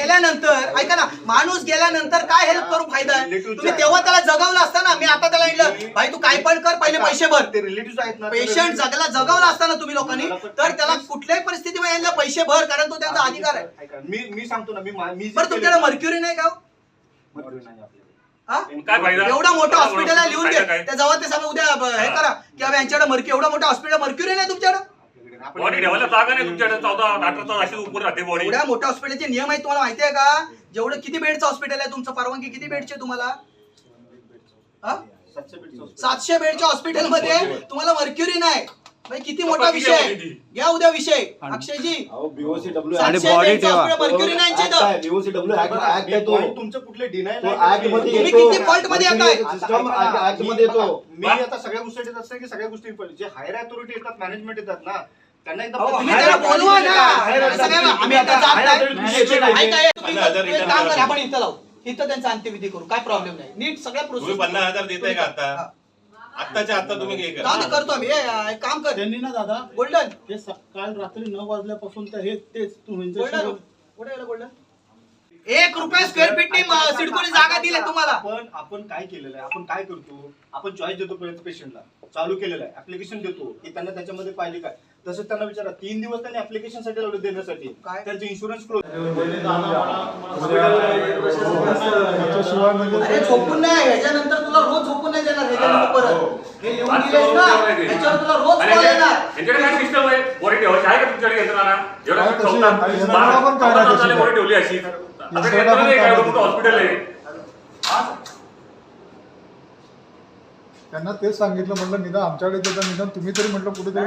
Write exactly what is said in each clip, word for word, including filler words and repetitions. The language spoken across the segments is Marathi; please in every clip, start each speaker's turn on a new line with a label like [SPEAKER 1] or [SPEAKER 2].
[SPEAKER 1] गेल्यानंतर ऐका ना, माणूस गेल्यानंतर काय हेल्प करून फायदा आहे? तुम्ही तेव्हा त्याला जगवलं असतं ना. मी आता त्याला म्हटलं भाई तू काय पण कर, पहिले पैसे भर.
[SPEAKER 2] ते रिलेटिव्ह आहेत ना,
[SPEAKER 1] पेशंट जगला जगवला असताना तुम्ही लोकांनी, तर त्याला कुठल्याही परिस्थितीमध्ये यांना पैसे भर, कारण तो त्यांचा अधिकार आहे.
[SPEAKER 2] मी मी सांगतो ना, मी मी
[SPEAKER 1] बरं तुमच्याकडे मर्क्युरी नाही का?
[SPEAKER 3] काय फायदा?
[SPEAKER 1] एवढा मोठं हॉस्पिटल आहे, लिहून घे त्या जवळ ते सांगा उद्या हे करा की बाबा यांच्याकडे मर्क्यू एवढा मोठा हॉस्पिटल मर्क्युरी नाही तुमच्याकडे.
[SPEAKER 3] बॉडी ठेवायला जागा नाही तुमच्याकडे. चौदा अठरा तास अशी उभं राहते बॉडी.
[SPEAKER 1] एवढ्या मोठ्या हॉस्पिटलचे नियम आहेत तुम्हाला माहिती आहे का? जेवढं किती बेडचं हॉस्पिटल आहे तुमचं, परवानगी किती बेडची तुम्हाला? सातशे बेडच्या हॉस्पिटल मध्ये तुम्हाला मर्क्युरी नाही. किती मोठा विषय आहे. घ्या उद्या विषय अक्षयजी.
[SPEAKER 4] आणि बॉडी ठेवा.
[SPEAKER 1] मर्क्युरी नाही
[SPEAKER 2] तुमचं कुठले डिनाय
[SPEAKER 1] तुम्ही किती फॉल्ट मध्ये येताय.
[SPEAKER 2] मी आता सगळ्या गोष्टी येत असतात की सगळ्या गोष्टी जे हायर अथॉरिटी येतात, मॅनेजमेंट येतात ना, त्यांना एकदा
[SPEAKER 1] तुम्ही त्याला बोलवा ना. आम्ही आता जात नाही. ऐका, तुम्ही एक काम करा, आपण इथं लावू, इथं त्यांचा अंत्यविधी करू, काय प्रॉब्लेम नाही. नीट सगळ्या प्रोसेस.
[SPEAKER 5] पन्नास हजार देताय का आता? आत्ताच्या आता तुम्ही हे करा.
[SPEAKER 1] जाऊ दे, करतो आम्ही. ए, एक काम कर
[SPEAKER 6] त्यांनी ना दादा
[SPEAKER 1] गोल्डन,
[SPEAKER 6] ते काल रात्री नऊ वाजल्यापासून तर हे तेच
[SPEAKER 1] गोल्डन
[SPEAKER 6] तुम्ही
[SPEAKER 1] कुठे गेलं गोल्डन? एक रुपया स्क्वेअर फीटनी सिडकोने जागा दिली तुम्हाला.
[SPEAKER 2] आपण आपण काय केलेलं आहे, आपण काय करतो, आपण चॉईस देतो पेशंटला, चालू केलेलं आहे, ऍप्लिकेशन देतो की त्यांना त्याच्यामध्ये पाहिजे काय. तसंच त्यांना विचारा, तीन दिवस त्यांनी ऍप्लिकेशन साठी लावले देण्यासाठी,
[SPEAKER 1] काय
[SPEAKER 2] त्यांचे इन्शुरन्स क्लोज.
[SPEAKER 1] अरे झोपून नाही, ह्याच्यानंतर तुला रोज झोपून नाही देणार. ह्याच्यानंतर परत हे लिहून दिलेस ना, ह्याच्यावर तुला रोज कॉल येणार.
[SPEAKER 3] यांच्याकडे काय सिस्टम आहे? बॉडी ठेवायची आहे का तुमच्याकडे यंत्रणा? एवढा चौदा बॉडी ठेवली अशी. आता यंत्रणा नाही काय, मोठं हॉस्पिटल आहे.
[SPEAKER 7] त्यांना तेच सांगितलं, म्हटलं निदान आमच्याकडे देता, निदान तुम्ही तरी म्हटलं कुठेतरी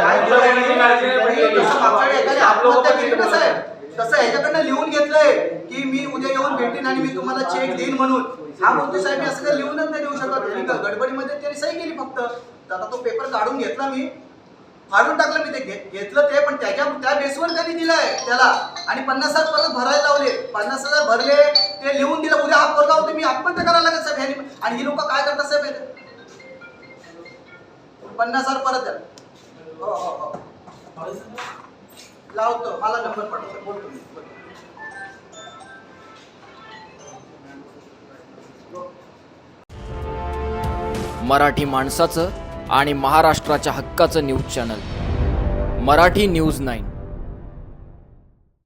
[SPEAKER 1] तसं ह्याच्याकडनं लिहून घेतलंय की मी उद्या येऊन भेटीन आणि मी तुम्हाला चेक देईन म्हणून. हा बोलतो साहेब मी असं काही लिहूनच नाही देऊ शकत. त्यांनी गडबडीमध्ये त्यांनी सही केली फक्त. आता तो पेपर काढून घेतला, मी फाडून टाकलं, मी ते घेतलं ते, पण त्याच्या त्या बेसवर त्यांनी दिलंय त्याला. आणि पन्नास हजार परत भरायला लावले, पन्नास हजार भरले, ते लिहून दिलं. उद्या हा पोरगा होते, मी आत्महत्या करायला लागेल साहेब ह्यांनी. आणि ही लोक काय करतात साहेब, पन्नास हजार परत द्या. हो हो हो लावतो, मला नंबर पाठवतो, बोलतो मी.
[SPEAKER 8] मराठी माणसाचं आणि महाराष्ट्राच्या हक्काचं news channel Marathi news nine.